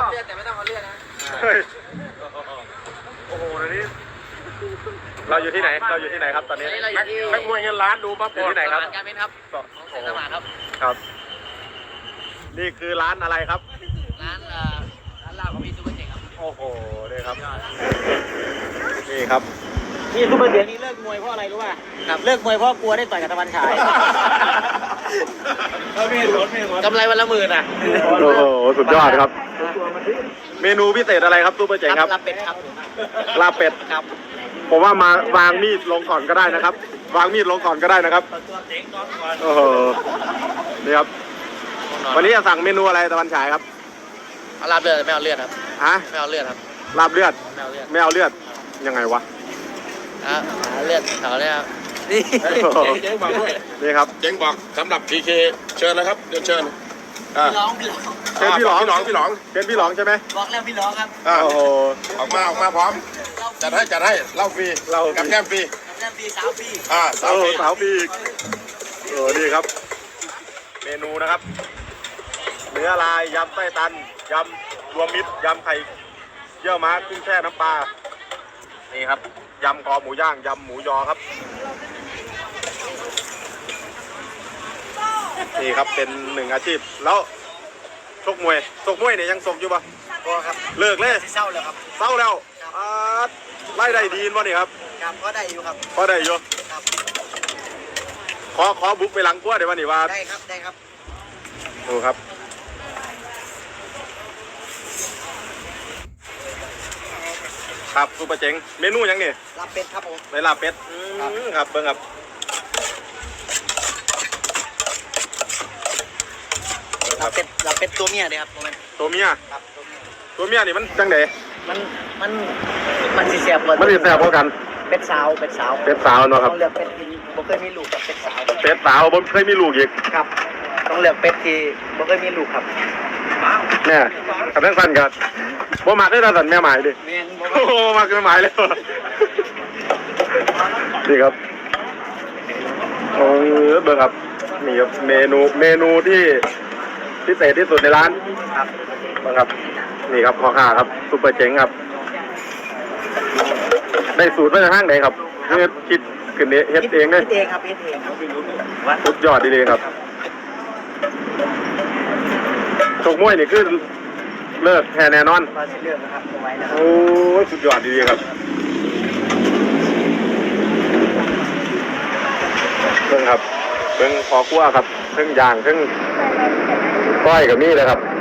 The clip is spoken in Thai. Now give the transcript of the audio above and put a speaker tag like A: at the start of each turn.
A: เลือดแต่ไม่ต้องเอาเลือดนะ
B: โอ้โหตอนนี้เราอยู่ที่ไหนครับตอนนี้
A: เราอยู่ที่
B: แม็กมวยเงินล้านดูปั๊บอยู่ที่ไหนครับ
A: การเป็นครับเซ็นสมานครับ
B: ครับนี่คือร้านอะไรครับ
A: ร้านลาบของพี่ซูเปอร์เจ๋งครับ
B: โอ้โหนี่ครับนี่ครับ
A: นี่ซูเปอร์เจ๋งนี่เลิกมวยเพราะอะไรรู้ป่ะเลิกมวยเพราะกลัวได้ต่อยกับตะวันฉายกำไรวันละ10,000อ่ะ
B: โอ้โหสุดยอดครับเมนูพิเศษอะไรครับซูเปอร์เจ๋งครับ
A: ลาบเป็ดครับ
B: ลาบเป็ด
A: ครับ
B: ผมว่ามาวางมีดลงก่อนก็ได้นะครับวางมีดลงก่อนก็ได้นะครับโอ้โหนี่ครับวันนี้จะสั่งเมนูอะไรตะวันฉายครับ
A: ลาบเลือดไม่เอาเลือดครับ
B: ฮะ
A: ไม่เอาเลือดครับ
B: ลาบเลือด
A: ไม่เอาเลือด
B: ยังไงวะ
A: เลือดเขาเนี่ยนี่
B: เจ๊งบอกด้วยนี่ครับ
C: เจ๊งบอกสำหรับพีเคเชิญเลยครับเดินเชิญ
A: พี่ร้อง
B: เป็นพี่หลองเป็นพี่หลองใช่ไหม
A: บอกแล้วพี่ร้องครับ
B: โอ้โห
C: ออกมาพร้อมจัดให้เหล้าฟรีกับแก้มฟรี
A: สาวฟรี
C: สาว
B: ฟรีโอ้ดีครับเมนูนะครับเนื้อลายยำไส้ตันยำรวมมิตรยำไข่เยี่ยวม้ากุ้งแช่น้ำปลานี่ครับยำคอหมูย่างยำหมูยอครับนี่ครับเป็นหนึ่งอาชีพแล้วชกมวยเนี่ยยังชกอยู่ปะ
A: ครับ
B: เลิกเลย
A: เศร้าแล้วครับ
B: เศร้าแล้วไล่ได้ดีนวะนี่ครับ
A: ครับก็ได้อยู่ครับ
B: ก็ได้อยู่
A: ครับ
B: ขอบุกไปหลังกั้วเดี๋ยววันนี้ว่า
A: ได้ครับ
B: ดูครับครับซูเปอร์เจ๋งเมนูยังนี่
A: ลาบเป็ดครับผม
B: ไปลาบเป็ดครับเบิ้งครับ
A: ลาบเป็ดตัวเมียเลยครับ
B: ตัวเมีย
A: ครับ
B: ตัวเมียนี่มันจังได
A: มันสิแซ่บ
B: มันสิแซ่บพอกัน
A: เป็ดสาว
B: เนาะครับ
A: ต้องเลือกเป็ดที่บ่เคยมีลูกกับเป็ดสาว
B: บ่เคยมีลูกอีก
A: ครับต้องเลือกเป็ดที่บ่เคยมีลูกครับ
B: เนี่ยกับทั้งสั้นกันบ่มักได้สั้นแม่หมายดิโอ้มักแม่หมายเลยนี่ครับเบิ่งครับนี่ครับเมนูที่พิเศษที่สุดในร้าน
A: ครับ
B: เบิ่งครับนี่ครับพ่อค้าครับซุปเปอร์เจ๋งครับได้สูตรมาจากห้างไหนครับคิดขึ้นเฮ็ดเองเลย
A: เฮ็ดเองครับ
B: สุดยอดดีเลยครับชกมวยนี่คือเลิกแท้แน่นอน
A: เลิกนะครับเอาไว้นะครับ
B: โอ้สุดยอดดีครับเบิ่งครับเบิ่งพอคั่วครับเครื่องย่างเครื่องก้อยกับนี่เลยครับ